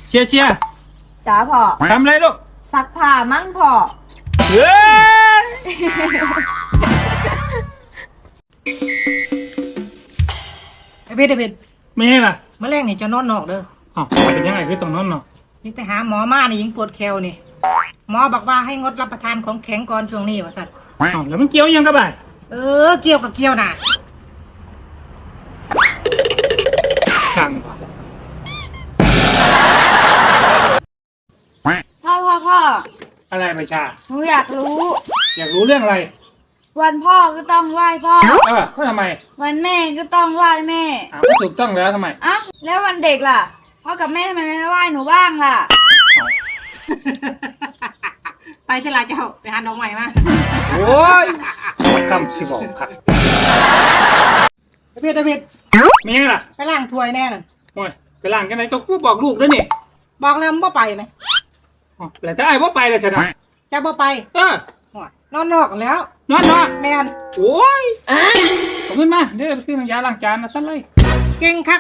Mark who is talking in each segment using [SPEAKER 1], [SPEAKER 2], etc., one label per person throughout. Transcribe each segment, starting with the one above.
[SPEAKER 1] เชียร์เชียร์
[SPEAKER 2] จ๋าพ่อ
[SPEAKER 1] ทำอะไรลูก
[SPEAKER 2] ซักผ้ามั่งพ่อ
[SPEAKER 1] เฮ้ย
[SPEAKER 3] ไอเพชร
[SPEAKER 1] ไม่ใช่ล่ะ
[SPEAKER 3] เมื่อแรกนี่จะนอนนอกเด้อ
[SPEAKER 1] อ๋อเป็นยังไงคือตรงนั้นเนาะ
[SPEAKER 3] นี่ไปหาหมอมานี่ยิงปวดแคลนี่หมอบอกว่าให้งดรับประทานของแข็งก่อนช่วงนี้ว่าสัตว์
[SPEAKER 1] อ๋อแล้วมันเกี่ยวยังกับบ่าย
[SPEAKER 3] เกี่ยวกับเกี่ยวน่ะ
[SPEAKER 1] ช่าง
[SPEAKER 2] พ่อ
[SPEAKER 1] อะไรไม่ชา
[SPEAKER 2] หนูอยากรู้
[SPEAKER 1] อยากรู้เรื่องอะไร
[SPEAKER 2] วันพ่อก็ต้องไหว้พ่อ
[SPEAKER 1] ก็ทำไม
[SPEAKER 2] วันแม่ก็ต้องไหว้แม่
[SPEAKER 1] ก็ถูกต้องแล้วทำไม
[SPEAKER 2] แล้ววันเด็กล่ะพ่อกับแม่ทำไมไม่ไหว้หนูบ้างล่ะ
[SPEAKER 3] ไปที่ร้านเจ้าไปหาน้องใหม่มา
[SPEAKER 1] โอ้ยคำสิบอกครับ
[SPEAKER 3] เพชร
[SPEAKER 1] ไม่ยังล่ะ
[SPEAKER 3] ไปล้างถ้วยแน่น่ะ
[SPEAKER 1] โอ้ยไปล้างกันไหนต้องบอกลูกด้วยนี่
[SPEAKER 3] บอกแล้วมึงบ่ไปไหม
[SPEAKER 1] แต่ถ้าไอ้บ่ไปเลยชนะ
[SPEAKER 3] จะบ่ไปนอนนอกแล้ว
[SPEAKER 1] นอน
[SPEAKER 3] แมน
[SPEAKER 1] โอ้ยเอาเงินมาเดี๋ยวไปซื้อน้ำยาล้างจานนะสั้นเลย
[SPEAKER 3] เก่งคัก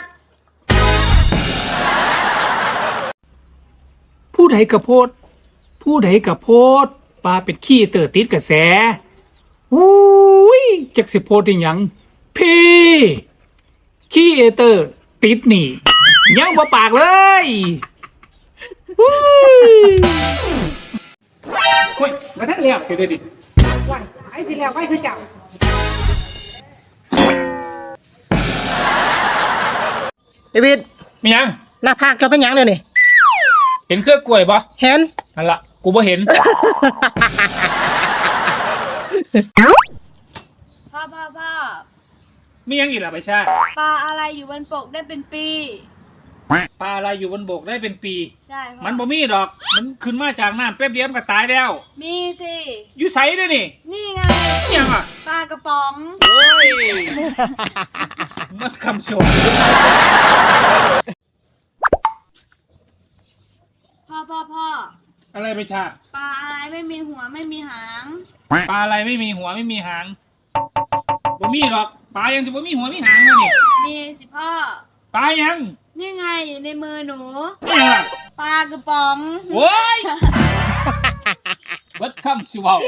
[SPEAKER 1] ผู้ใดกระโพดปลาเป็นขี้เต๋อติดกระแสอุ้ยจักสิโพดได้ยังพี่ขี้เต๋อติดนี่ยังบ่ปากเลยเฮ้ยมาได้แล้วเดี๋ยวดิ
[SPEAKER 3] วันไอ้สิแล้วไว้คือเจ้าเดวิด
[SPEAKER 1] มียัง
[SPEAKER 3] หน้าผากจะเป็นยังเลยนี่
[SPEAKER 1] เห็นเครือกล้วยปะ
[SPEAKER 3] เห็น
[SPEAKER 1] นั่นละกูบ่เห็น
[SPEAKER 2] พ่อ
[SPEAKER 1] มียังอีกล่ะไปชา
[SPEAKER 2] ปลาอะไรอยู่บนบกได้เป็นปี
[SPEAKER 1] ปลาอะไรอยู่บนบกได้เป็นปี
[SPEAKER 2] ใช่
[SPEAKER 1] มันบ่มีดอกมันขึ้นมาจากน้ำแป๊บเดียวมันก็ตายแล้ว
[SPEAKER 2] มีสิ
[SPEAKER 1] อยู่ใสด้วย
[SPEAKER 2] นี่ไง
[SPEAKER 1] ยังอ่ะ
[SPEAKER 2] ปลากระป๋อง
[SPEAKER 1] โอ้ยมันคำชม
[SPEAKER 2] พ่อ
[SPEAKER 1] อะไรไปชา
[SPEAKER 2] ปลาอะไรไม่มีหัวไม่มีหาง
[SPEAKER 1] ปลาอะไรไม่มีหัวไม่มีหางบ่มีดอกปลายังจะบ่มีหัวมีหางเลยนี่
[SPEAKER 2] มีสิพ่อ
[SPEAKER 1] ปลายัง
[SPEAKER 2] นี่ไงอยู่ในมือหนู
[SPEAKER 1] นี่ล่ะ
[SPEAKER 2] ปลากระป๋อง
[SPEAKER 1] โอ้ยวัดคำสิวาว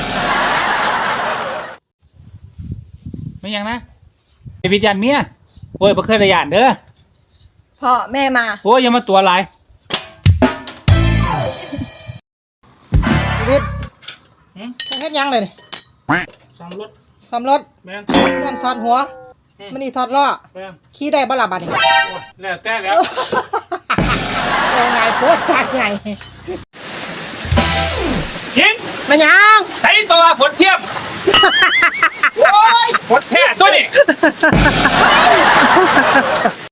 [SPEAKER 1] ไม่ยังนะไอวิญญาณเมียโอ้ยบ่เคยได้ยานเด้อ
[SPEAKER 2] พ่อแม่มา
[SPEAKER 1] โอ้ยอย่ามาตัวลาย
[SPEAKER 3] ชีวิตเฮ็ดยังเลย
[SPEAKER 1] ซ่อมรถแม่ง
[SPEAKER 3] นั่นถอดหัวมันนี่ถอดล้อขี้ได้บ่ล่ะบัดนี้
[SPEAKER 1] แล้วแต่แล้ว
[SPEAKER 3] โอ้ไงโคตรสักไง
[SPEAKER 1] ยิง
[SPEAKER 3] มันยัง
[SPEAKER 1] ใส่ตัวฝนเทียมโอ้ยฝนแท้ตัวนี้